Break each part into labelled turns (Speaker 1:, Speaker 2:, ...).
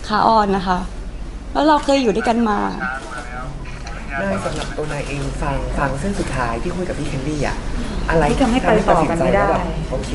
Speaker 1: ขาอ่อนนะคะ แล้วเราเคยอยู่ด้วยกันมา
Speaker 2: นายสำหรับตัวนายเองฟังเส้นสุดท้ายที่คุยกับพี่เคนลี่อะอะไร
Speaker 3: ที่ทำให้ไปต่อกันไม่ได้
Speaker 2: ว่าแบบโอเค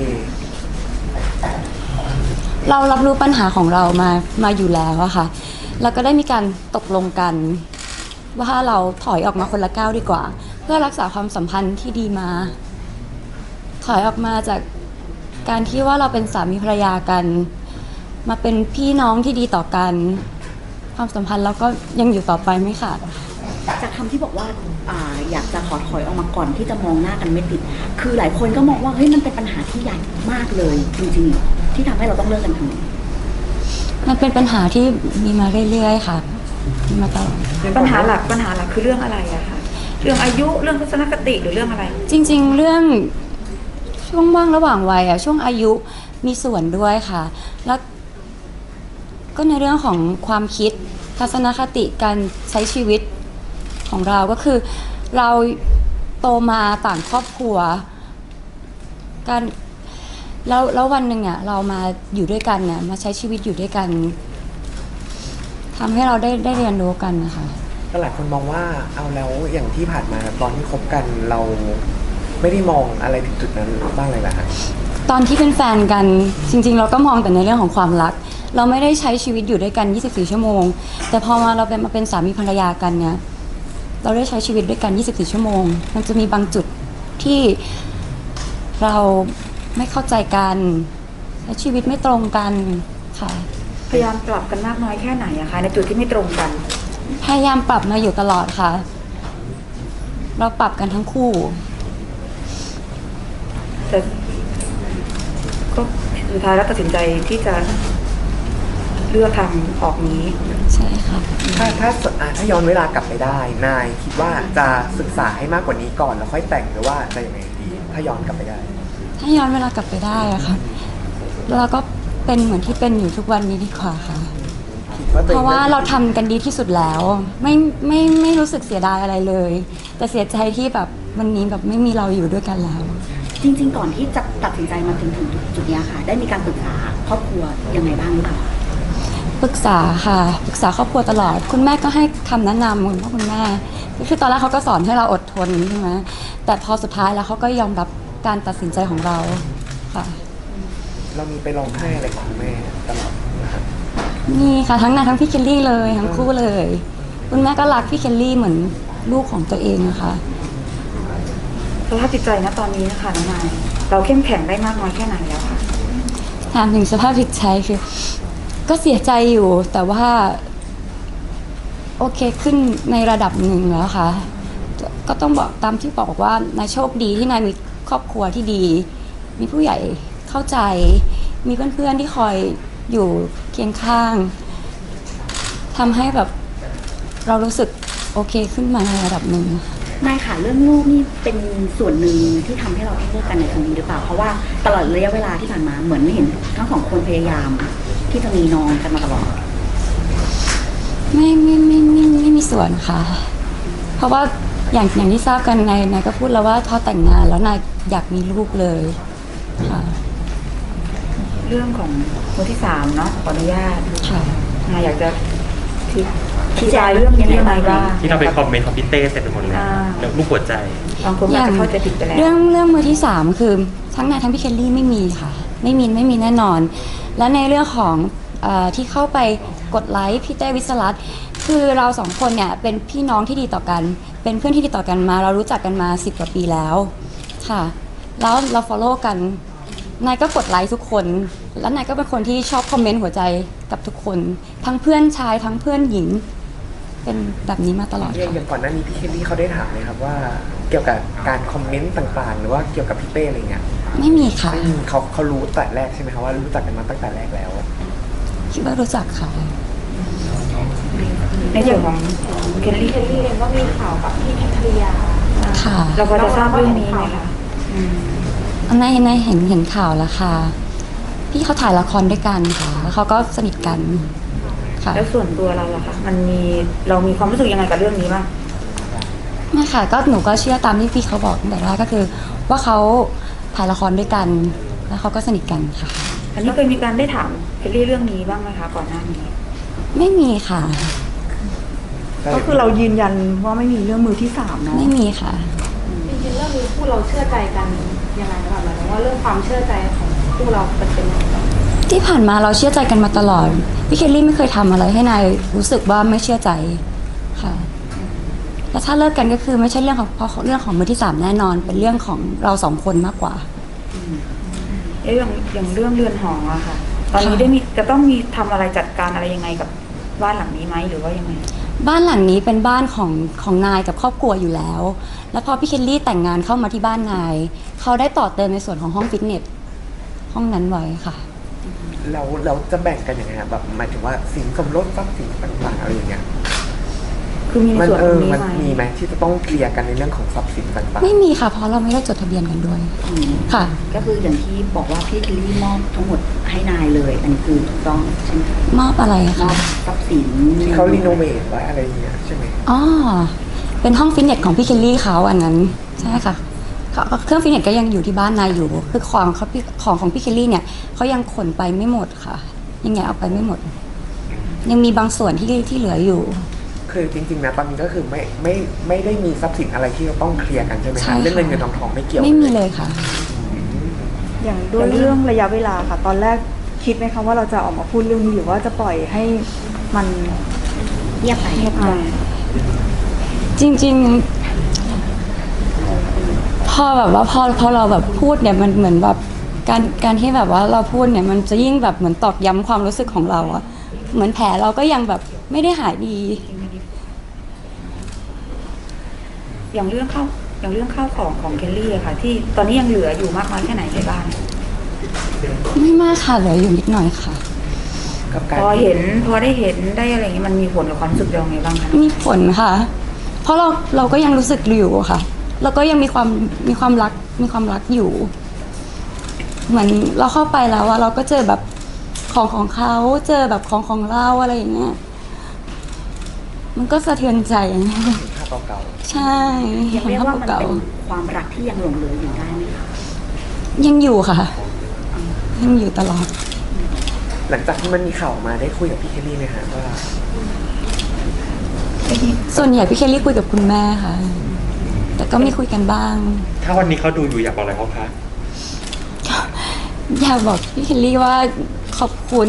Speaker 1: เรารับรู้ปัญหาของเรามาอยู่แล้วอะค่ะ แล้วก็ได้มีการตกลงกัน ว่าเราถอยออกมาคนละก้าวดีกว่า เพื่อรักษาความสัมพันธ์ที่ดีมา ถอยออกมาจากการที่ว่าเราเป็นสามีภรรยากัน มาเป็นพี่น้องที่ดีต่อกัน ความสัมพันธ์เราก็ยังอยู่ต่อไปไม่ขาด
Speaker 4: จากคำที่บอกว่าอยากจะขอถอยออกมาก่อนที่จะมองหน้ากันไม่ติด คือหลายคนก็มองว่าเฮ้ยมันเป็นปัญหาที่ใหญ่มากเลยจริงๆที่ทำให้เราต้องเลิกกันทั้งนี้
Speaker 1: มันเป็นปัญหาที่มีมาเรื่อยๆค่ะมีมาตลอด
Speaker 3: ปัญหาหลักคือเรื่องอะไรอะคะเรื่องอายุเรื่องทัศนคติหรือเรื่องอะไร
Speaker 1: จริงๆ เรื่องช่วงว่างระหว่างวัยช่วงอายุมีส่วนด้วยค่ะ แล้วก็ในเรื่องของความคิดทัศนคติการใช้ชีวิตของเราก็คือเราโตมาต่างครอบครัวการแล้ววันหนึ่งเรามาอยู่ด้วยกันมาใช้ชีวิตอยู่ด้วยกันทำให้เราได้เรียนรู้กันนะคะ
Speaker 2: ก็หลายคนมองว่าเอาแล้วอย่างที่ผ่านมาตอนที่คบกันเราไม่ได้มองอะไรถึงจุดนั้นบ้างเลยเหรอฮะ
Speaker 1: ตอนที่เป็นแฟนกันจริงๆเราก็มองแต่ในเรื่องของความรัก เราไม่ได้ใช้ชีวิตอยู่ด้วยกัน24ชั่วโมงแต่พอเรามาเป็นสามีภรรยากันเนี่ยเราได้ใช้ชีวิตด้วยกัน24ชั่วโมงมันจะมีบางจุดที่เราไม่เข้าใจกันและชีวิตไม่ตรงกันค่ะ
Speaker 3: พยายามปรับกันมากน้อยแค่ไหนอะคะในจุดที่ไม่ตรงกัน
Speaker 1: พยายามปรับมาอยู่ตลอดค่ะ เราปรับกันทั้งคู่
Speaker 3: แต่ก็สุดท้ายแล้วตัดสินใจที่จะเลือกทางออกนี้
Speaker 1: ใช่ค่ะ
Speaker 2: ถ้าย้อนเวลากลับไปได้นายคิดว่าจะศึกษาให้มากกว่านี้ก่อนแล้วค่อยแต่งหรือว่าจะยังไงดีถ้าย้อนกลับไปได้
Speaker 1: ถ้าย้อนเวลากลับไปได้อะค่ะเราก็เป็นเหมือนที่เป็นอยู่ทุกวันนี้ดีกว่าค่ะ
Speaker 2: คิดว่าตัว
Speaker 1: เพ
Speaker 2: เอง
Speaker 1: ราะว่าเราทำกันดีที่สุดแล้วไม่รู้สึกเสียดายอะไรเลย แต่เสียใจที่แบบวันนี้แบบไม่มีเราอยู่ด้วยกันแล้ว
Speaker 4: จริงๆก่อนที่จะตัดสินใจมาถึงจุดนี้ค่ะ ได้มีการปรึกษาครอบครัวยังไงบ้างหรือเปล่า
Speaker 1: ปรึกษาค่ะปรึกษาครอบครัวตลอดคุณแม่ก็ให้คำแนะนำคุณพ่อคุณแม่คือตอนแรกเขาก็สอนให้เราอดทนใช่ไหมแต่พอสุดท้ายแล้วเขาก็ยอมรับการตัดสินใจของเราค่ะ
Speaker 2: เรามีไปร้องไห้อะไรของคุณแม่ตลอดนะครับ
Speaker 1: นี่ค่ะทั้งนายทั้งพี่เคลลี่เลยทั้งคู่เลย คุณแม่ก็รักพี่เคลลี่เหมือนลูกของตัวเองนะคะ
Speaker 3: สภาพจิตใจนะตอนนี้นะคะน้องนายเราเข้มแข็งได้มากน้อยแค่ไหนแล้วคะ
Speaker 1: ถามถึงสภาพจิตใจคือก็เสียใจอยู่แต่ว่าโอเคขึ้นในระดับหนึ่งแล้วค่ะก็ต้องบอกตามที่บอกว่านายโชคดีที่นายมีครอบครัวที่ดี มีผู้ใหญ่เข้าใจ มีเพื่อนๆที่คอยอยู่เคียงข้างทำให้แบบเรารู้สึกโอเคขึ้นมาในระดับหนึ่ง
Speaker 4: นายค่ะเรื่องลูกนี่เป็นส่วนหนึ่งที่ทำให้เราต้องเลิกกันในครั้งนี้หรือเปล่า เพราะว่าตลอดระยะเวลาที่ผ่านมาเหมือนเห็นทั้งสองคนพยายาม ที่จะมีน้องกันมาตลอด
Speaker 1: ไม่มีส่วนค่ะ เพราะว่าอย่างที่ทราบกันนายก็พูดแล้วว่าพอแต่งงานแล้วนายอยากมีลูกเลยค่ะ
Speaker 3: เรื่องของคนที่3เนาะขออนุญาต
Speaker 1: ค่ะ
Speaker 3: นายอยากจะชี้แจงเรื่องนี้ยังไงบ้าง
Speaker 5: ที่เราไปคอมเมนต์ของพี่เต้เต็มไปหมดเลยแล้วลูกหัวใจ
Speaker 3: บางคนอาจจะเข้าใจผิดไปแล้ว
Speaker 1: เรื่องมือที่3คือทั้งนายทั้งพี่เคลลี่ไม่มีค่ะไม่มีแน่นอน และในเรื่องของที่เข้าไปกดไลค์พี่เต้วิศรัตน์คือเราสองคนเนี่ยเป็นพี่น้องที่ดีต่อกัน เป็นเพื่อนที่ดีต่อกันมา เรารู้จักกันมา10 กว่าปีแล้วค่ะแล้วเรา follow กันนายก็กดไลค์ทุกคนแล้วนายก็เป็นคนที่ชอบคอมเมนต์หัวใจกับทุกคนทั้งเพื่อนชายทั้งเพื่อนหญิงเป็นแบบนี้มาตลอด
Speaker 2: อย่างก่อนหน้านี้พี่เคลลี่เขาได้ถามไหมครับว่าเกี่ยวกับการคอมเมนต์ต่างๆ หรือว่าเกี่ยวกับพี่เต้อะไรเงี้ย
Speaker 1: ไม่มีค่ะ
Speaker 2: ไม่มีเขารู้แต่แรกใช่ไหมครับว่ารู้จักกันมาตั้งแต่แรกแล้ว
Speaker 1: คิดว่ารู้จักค่ะ
Speaker 3: ในส่วนของเคลลี่
Speaker 6: เห็นว่ามีข่าวกับพี่แคทริยา
Speaker 1: ค่ะ
Speaker 3: เราพอจะทราบเรื่องนี้ไหมคะ
Speaker 1: ในเห็นข่าวแล้วค่ะ พี่เขาถ่ายละครด้วยกันค่ะ แล้วเขาก็สนิทกันค่ะ
Speaker 3: แล้วส่วนตัวเราล่ะคะเรามีความรู้สึกยังไงกับเรื่องนี้บ้าง
Speaker 1: ไม่ค่ะก็หนูก็เชื่อตามที่พี่เขาบอกตั้งแต่แรกก็คือ ว่าเขาถ่ายละครด้วยกัน แล้วเขาก็สนิทกันค่ะ
Speaker 3: อันนี้เคยมีการได้ถามเคลลี่เรื่องนี้บ้างไหมคะก่อนหน้านี้
Speaker 1: ไม่มีค่ะ
Speaker 3: ก็คือเรายืนยันว่าไม่มีเรื่องมือที่สามเนาะ
Speaker 1: ไม่มีค่ะ
Speaker 6: จริงๆเรื่องนี้คู่เราเชื่อใจกันยังไงนะคะหมายถึงว่าเรื่องความเชื่อใจของคู่เราเป็นยังไงบ้าง
Speaker 1: ที่ผ่านมาเราเชื่อใจกันมาตลอดพี่เคลลี่ไม่เคยทำอะไรให้นายรู้สึกว่าไม่เชื่อใจค่ะแล้วถ้าเลิกกันก็คือไม่ใช่เรื่องของเพราะเรื่องของมือที่สามแน่นอน เป็นเรื่องของเราสองคนมากกว่า
Speaker 3: อย่างเรื่องเรือนหออะค่ะ ตอนนี้ได้มีจะต้องมีทำอะไรจัดการอะไรยังไงกับบ้านหลังนี้ไหมหรือว่ายังไง
Speaker 1: บ้านหลังนี้เป็นบ้านของนายกับครอบครัวอยู่แล้ว แล้วพอพี่เคลลี่แต่งงานเข้ามาที่บ้านนาย เขาได้ต่อเติมในส่วนของห้องฟิตเนสห้องนั้นไว้ค่ะ
Speaker 2: เราจะแบ่งกันยังไงครับแบบหมายถึงว่าสินสมรสทรัพย์สินต่างๆอะไรอย่างเงี้ย
Speaker 3: คือมีใน
Speaker 2: มัน
Speaker 3: ส่วนตรงนี้
Speaker 2: มัน
Speaker 3: ไหม
Speaker 2: มีไหมที่จะต้องเคลียร์กันในเรื่องของทรัพย์สินต่าง
Speaker 1: ไม่มีค่ะ เพราะเราไม่ได้จดทะเบียนกันด้วย
Speaker 4: อืม
Speaker 1: ค่ะ
Speaker 4: ก็คืออย่างที่บอกว่าพี่เคลลี่มอบทั้งหมดให้นายเลย อันนี้คือถูกต้องใช่ไหมคะ
Speaker 1: มอบอะไร
Speaker 4: มอ
Speaker 1: คะ
Speaker 4: บทรัพย์สิน
Speaker 2: ๆที่เขารีโนเวทไว้อะไรอย่างเงี้ยใช่ไหม
Speaker 1: อ๋อเป็นห้องฟิตเนสของพี่เคลลี่เขาอันนั้นใช่ค่ะเครื่องฟิตเนสก็ยังอยู่ที่บ้านนายอยู่คือของพี่เคลลี่เนี่ยเขายังขนไปไม่หมดค่ะ ยังไงเอาไปไม่หมด ยังมีบางส่วนที่เหลืออยู่
Speaker 2: คือจริงๆนะตอนนี้ก็คือไม่ได้มีทรัพย์สินอะไรที่เราต้องเคลียร์กันใช่ไหม
Speaker 1: ใช่
Speaker 2: คะ
Speaker 1: ค่ะ
Speaker 2: เรื่องเงินทองไม่เกี่ยว
Speaker 1: ไม่มีเลยค่ะ
Speaker 7: อย่างด้วยเรื่องระยะเวลาค่ะ ตอนแรกคิดไหมคะว่าเราจะออกมาพูดเรื่องนี้หรือว่าจะปล่อยให้มัน
Speaker 4: เงียบไป
Speaker 7: เงียบไป
Speaker 1: จริงๆ พอแบบว่าพอเราแบบพูดเนี่ยมันเหมือนแบบการที่แบบว่าเราพูดเนี่ยมันจะยิ่งแบบเหมือนตอกย้ำความรู้สึกของเราอะเหมือนแผลเราก็ยังแบบไม่ได้หายดี
Speaker 3: อย่างเรื่องข้าวของเคลลี่อะค่ะ ที่ตอนนี้ยังเหลืออยู่มากน้อยแค่ไหนในบ้าน
Speaker 1: ไม่มากค่ะเหลืออยู่นิดหน่อยค่ะ
Speaker 2: กับการ
Speaker 3: พอได้เห็นได้อะไรอย่างนี้มันมีผลกับความรู้สึกเราไงบ้างคะ
Speaker 1: มีผลค่ะ เพราะเราก็ยังรู้สึกอยู่ค่ะ เราก็ยังมีความรักอยู่ เหมือนเราเข้าไปแล้วอะเราก็เจอแบบของเขาเจอแบบของเราอะไรอย่างเงี้ย มันก็สะเทือนใจ
Speaker 2: ภาพเก่า
Speaker 1: ใช่
Speaker 4: ยังเรียกว่ามัน
Speaker 1: เก่า
Speaker 4: เป็นความรักที่ยังหลงเหลืออยู่ได้ไหมคะ
Speaker 1: ยังอยู่ค่ะ ยังอยู่ตลอด
Speaker 2: ๆหลังจากที่มันมีข่าวออกมาได้คุยกับพี่เคลลี่ไหมฮะว่า
Speaker 1: ส่วนใหญ่พี่เคลลี่คุยกับคุณแม่ค่ะ แต่ก็มีคุยกันบ้าง
Speaker 5: ถ้าวันนี้เขาดูอยู่อยากบอกอะไรเขาคะ
Speaker 1: อยากบอกพี่เคลลี่ว่าขอบคุณ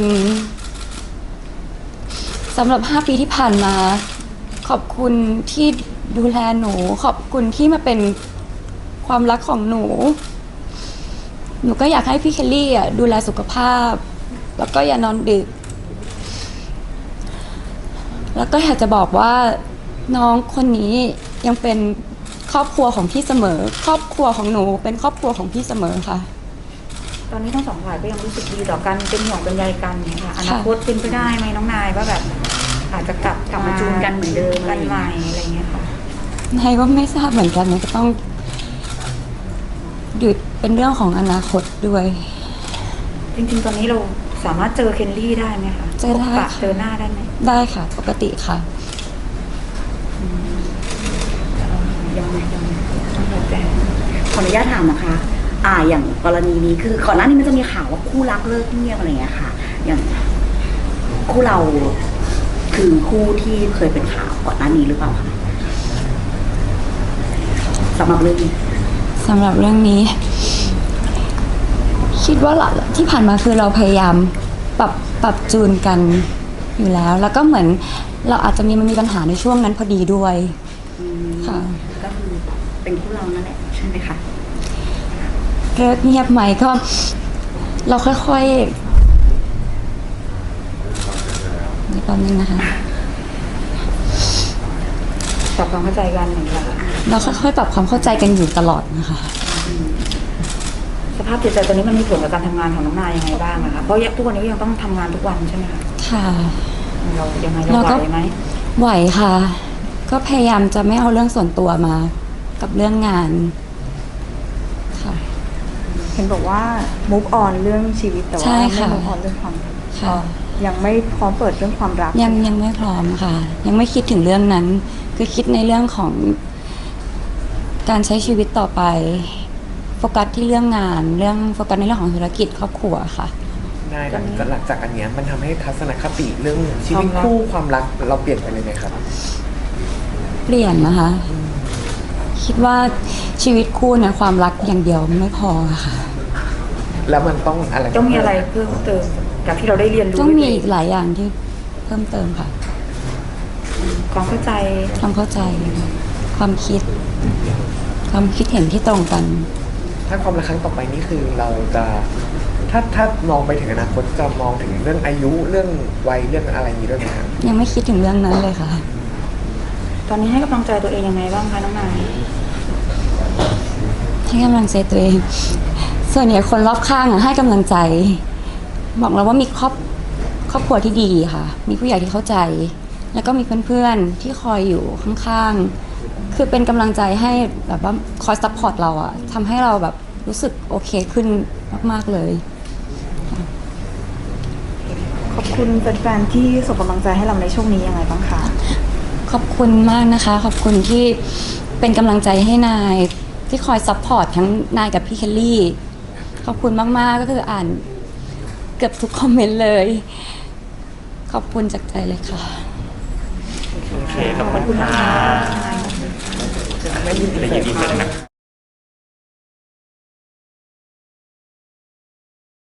Speaker 1: สำหรับ 5 ปีที่ผ่านมา ขอบคุณที่ดูแลหนู ขอบคุณที่มาเป็นความรักของหนู หนูก็อยากให้พี่เคลลี่อ่ะดูแลสุขภาพ แล้วก็อย่านอนดึก แล้วก็อยากจะบอกว่าน้องคนนี้ยังเป็นครอบครัวของพี่เสมอ ครอบครัวของหนูเป็นครอบครัวของพี่เสมอค่ะ
Speaker 3: ตอนนี้ทั้งสองฝ่ายก็ยังรู้สึกดีต่อกันเป็นห่วงเป็นใยกันเนี่ยค่ะอนาคตเป็นไปได้ไหมน้องนายว่าแบบ อาจจะกลับมาจูนกันเหมือนเดิมกันใหม่อะไรเงี้ยค่ะ
Speaker 1: นายก็ไม่ทราบเหมือนกันมันก็ต้องดูเป็นเรื่องของอนาคตด้วย
Speaker 3: จริงๆ ตอนนี้เราสามารถเจอเคนลี่ได้ไหมคะ
Speaker 1: เจอได้
Speaker 3: พบปะ
Speaker 1: ค่ะ
Speaker 3: เจอหน้าได้ไหม
Speaker 1: ได้ค่ะ ปกติค่ะ
Speaker 3: ยังแต่
Speaker 4: ขออนุญาตถามนะคะ อย่างกรณีนี้คือก่อนหน้านี้มันจะมีข่าวว่าคู่รักเลิกเงียบอะไรอย่างเงี้ยค่ะ อย่างคู่เราคือคู่ที่เคยเป็นข่าวก่อนหน้านี้หรือเปล่าคะสำหรับเรื่องนี้
Speaker 1: สำหรับเรื่องนี้ คิดว่าที่ผ่านมาคือเราพยายามปรับจูนกันอยู่แล้ว แล้วก็เหมือนเราอาจจะมันมีปัญหาในช่วงนั้นพอดีด้วย ค่ะ
Speaker 4: ก็คือเป็นคู่เรานั่นแหละใช่ไหมคะ
Speaker 1: เลิกเงียบไหมก็ เราค่อยๆนี่แป๊บนึงนะคะ
Speaker 3: ปรับความเข้าใจกันเหมือนกัน
Speaker 1: เราค่อยๆปรับความเข้าใจกันอยู่ตลอดนะคะ
Speaker 3: สภาพจิตใจตอนนี้มันมีผลกับการทำงานของน้องนายยังไงบ้างนะคะเพราะทุกวันนี้ก็ยังต้องทำงานทุกวันใช่ไหมคะ
Speaker 1: ค่ะ
Speaker 3: เรายังไงเราไหวไหม
Speaker 1: ไหวค่ะ ก็พยายามจะไม่เอาเรื่องส่วนตัวมา กับเรื่องงาน ค่ะ
Speaker 7: เห็นบอกว่า move on เรื่องชีวิตแต่
Speaker 1: ใช่
Speaker 7: ว่าไม่
Speaker 1: ค่ะ
Speaker 7: move on เรื่องความรัก
Speaker 1: ค่ะ
Speaker 7: ยังไม่พร้อมเปิดเรื่องความรัก
Speaker 1: ยังไม่พร้อมค่ะ ยังไม่คิดถึงเรื่องนั้น คือคิดในเรื่องของการใช้ชีวิตต่อไป โฟกัสที่เรื่องงาน โฟกัสในเรื่องของธุรกิจครอบครัวค่ะ
Speaker 2: ณนายหลังจากอันเนี้ยมันทำให้ทัศนคติเรื่องชีวิตคู่ความรักเราเปลี่ยนไปเลยไหมครับ
Speaker 1: เปลี่ยนนะคะ คิดว่าชีวิตคู่เนี่ยความรักอย่างเดียวไม่พอค่ะ
Speaker 2: แล้วมันต้องอะไร
Speaker 3: ต้องมีอะไรเพิ่มเติมจากที่เราได้เรียนรู้
Speaker 1: ต้องมีอีกหลายอย่างที่เพิ่มเติมค่ะ
Speaker 3: ความเข้าใจ
Speaker 1: ความเข้าใจ ความคิด ความคิดเห็นที่ตรงกัน
Speaker 2: ถ้าความรักครั้งต่อไปนี่คือเราจะถ้ามองไปถึงอนาคตจะมองถึงเรื่องอายุเรื่องวัยเรื่องอะไรนี้ด้วยไหมครับ
Speaker 1: ยังไม่คิดถึงเรื่องนั้นเลยค่ะ
Speaker 3: ตอนนี้ให้กำลังใจตัวเองยังไงบ้างคะน้องนาย
Speaker 1: ให้กำลังใจตัวเอง ส่วนใหญ่คนรอบข้างอะให้กำลังใจ บอกเราว่ามีครอบครัวที่ดีค่ะ มีผู้ใหญ่ที่เข้าใจ แล้วก็มีเพื่อนๆที่คอยอยู่ข้างๆ คือเป็นกำลังใจให้แบบว่าคอยซัพพอร์ตเราอะทำให้เราแบบรู้สึกโอเคขึ้นมากๆเลย
Speaker 7: ขอบคุณแฟนๆที่ส่งกำลังใจให้เราในช่วงนี้ยังไงบ้างคะ
Speaker 1: ขอบคุณมากนะคะ ขอบคุณที่เป็นกำลังใจให้นายที่คอยซัพพอร์ตทั้งนายกับพี่เคลลี่ ขอบคุณมากๆก็คืออ่านเกือบทุกคอมเมนต์เลย ขอบคุณจากใจเลยค่ะ
Speaker 5: โอเคขอบคุณค่ะ
Speaker 2: ไม่ยินดี
Speaker 5: ได้ยินดีเลยนะ